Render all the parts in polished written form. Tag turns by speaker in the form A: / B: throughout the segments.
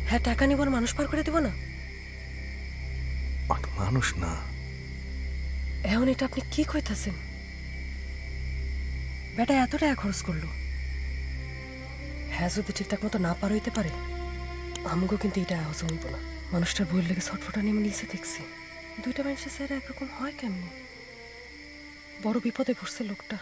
A: হ্যাঁ টাকা নিব আর মানুষ পার করে দিব না?
B: মানুষ না।
A: এখন এটা আপনি কি কইতাছেন? বেটা এত টাকা খরচ করলো, হ্যাঁ যদি ঠিকঠাক মতো না পার হইতে পারে আমাকেও কিন্তু এটা হজম হইব না। মানুষটার বইয়ের লেগে ছটফটা নেমে নিচে দেখছি। দুইটা মানুষের স্যার একরকম হয় কেমনি? বড় বিপদে পড়ছে লোকটা।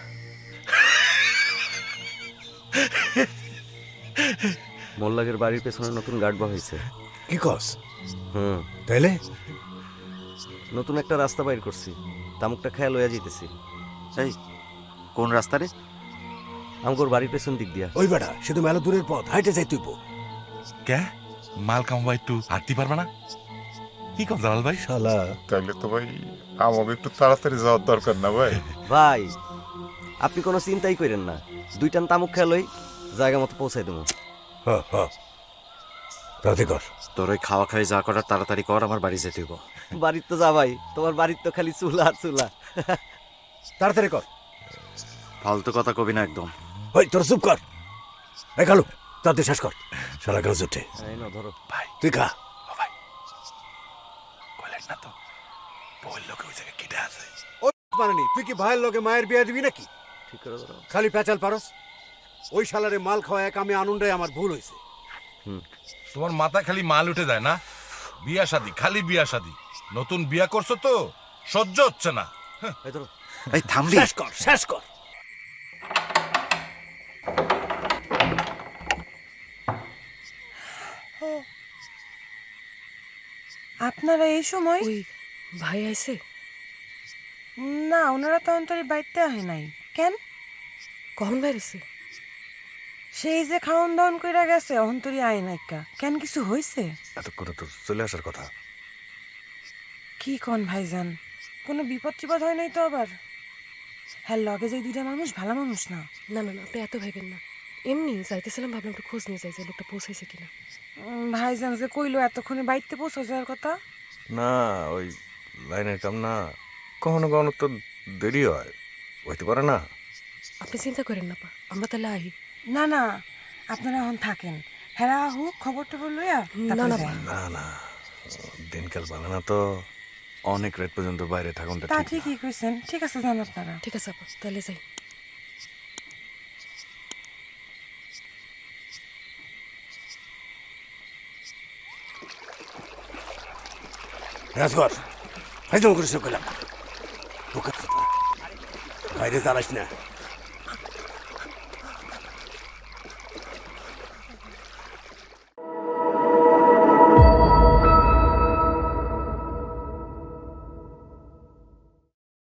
C: মোল্লাগের বাড়ির পেছনে নতুন গার্ডবা হয়েছে।
B: কি কস?
C: হুম,
B: তাইলে
C: নতুন একটা রাস্তা বাইর করছি, তামুকটা খেয়াল হইয়া যেতেছি।
D: এই কোন রাস্তা রে?
C: আমগোর বাড়ির পেছন দিক দিয়া।
B: ওই বেটা সে তো মেলা দূরের পথ, হাইটে যাই তুইব।
E: কে মাল কামবা একটু হাঁটতে পারবে না? কি কর জালাল ভাই?
B: শালা
F: তাইলে তো ভাই আমাকে একটু তাড়াতাড়ি যাওয়ার দরকার না ভাই?
C: ভাই আপনি কোনো চিন্তাই করেন না, দুইটান তামুক খেয়াল হই জায়গা মতো পৌঁছাই দেবো।
B: রাতে কর।
D: তোর ওই খাওয়া খাই যা করার তাড়াতাড়ি কর, আমার বাড়ি যেতে হইব।
C: বাড়ির তো যা ভাই, তোমার বাড়ির তো খালি চুলা আর চুলা।
B: তাড়াতাড়ি কর।
D: ফালতু কথা কবি না একদম।
B: ওই তোর চুপ কর। এই খালু তাড়াতাড়ি শেষ কর। সারা গাছ উঠে
C: এই নাও ধরো।
E: ভাই
B: তুই খা।
E: ও ভাই কইলেন না তো বলল লোকে ওই জায়গায় কেটে আছে।
B: ও মানানি, তুই কি ভাইয়ের লগে মায়ের বিয়ে দিবি নাকি?
C: ঠিক করে ধরো।
B: খালি পেঁচাল পারস। ওই শালারে মাল খাওয়া এক আমি আনন্দায় আমার ভুল হয়েছে।
E: তোমার মাথায় খালি মাল উঠে যায় না? বিয়া শাদি, খালি বিয়া শাদি। নতুন বিয়া করছো তো সহ্য হচ্ছে না।
C: এই ধরো।
D: এই থামবি?
B: শেষ কর, শেষ কর।
G: আপনারা এই সময়?
A: ওই ভাই আইছে?
G: না, ওনারা তো অন্তরে বাইতে আহে নাই। কেন?
A: কখন বাইরেছে?
G: সেই যে খাওন দাওন কইরা গেছে অন্তরি আয় নাইকা। কেন কিছু হইছে?
B: এত করে তো চলে আসার কথা।
G: কি কোন ভাইজান, কোনো বিপদ টিপদ হয় নাই তো আবার? হ্যাঁ লগে যে দুইটা মানুষ ভালো মানুষ না।
A: না না না, আপনি এত ভাইবেন না। এমনি যাইতেছিলাম, ভাবলাম একটু খোঁজ নিয়ে যাই যে লোকটা পৌঁছাইছে কিনা।
G: ভাইজান যে কইলো এতক্ষণে বাইতে পৌঁছে যাওয়ার কথা।
B: না ওই লাইনের কাম না, কখনো কখনো তো দেরি হয়, হইতে পারে না।
A: আপনি চিন্তা করেন না পা, আমরা তাহলে আহি।
G: না না, আপনারা এখন থাকেন। হ্যাঁ হুক খবর টবর লইয়া
A: না না
G: তারপরে
A: পা,
G: যাই।
B: না না, দিনকাল ভালো না তো, অনেক রাত পর্যন্ত বাইরে থাকুনটা
G: তা
B: ঠিক না।
G: ঠিকই কইছেন। ঠিক আছে যান আপনারা।
A: ঠিক আছে আপা, তাহলে যাই।
B: রাজগর হাইজম করে সব গেলাম, বাইরে দাঁড়াস না।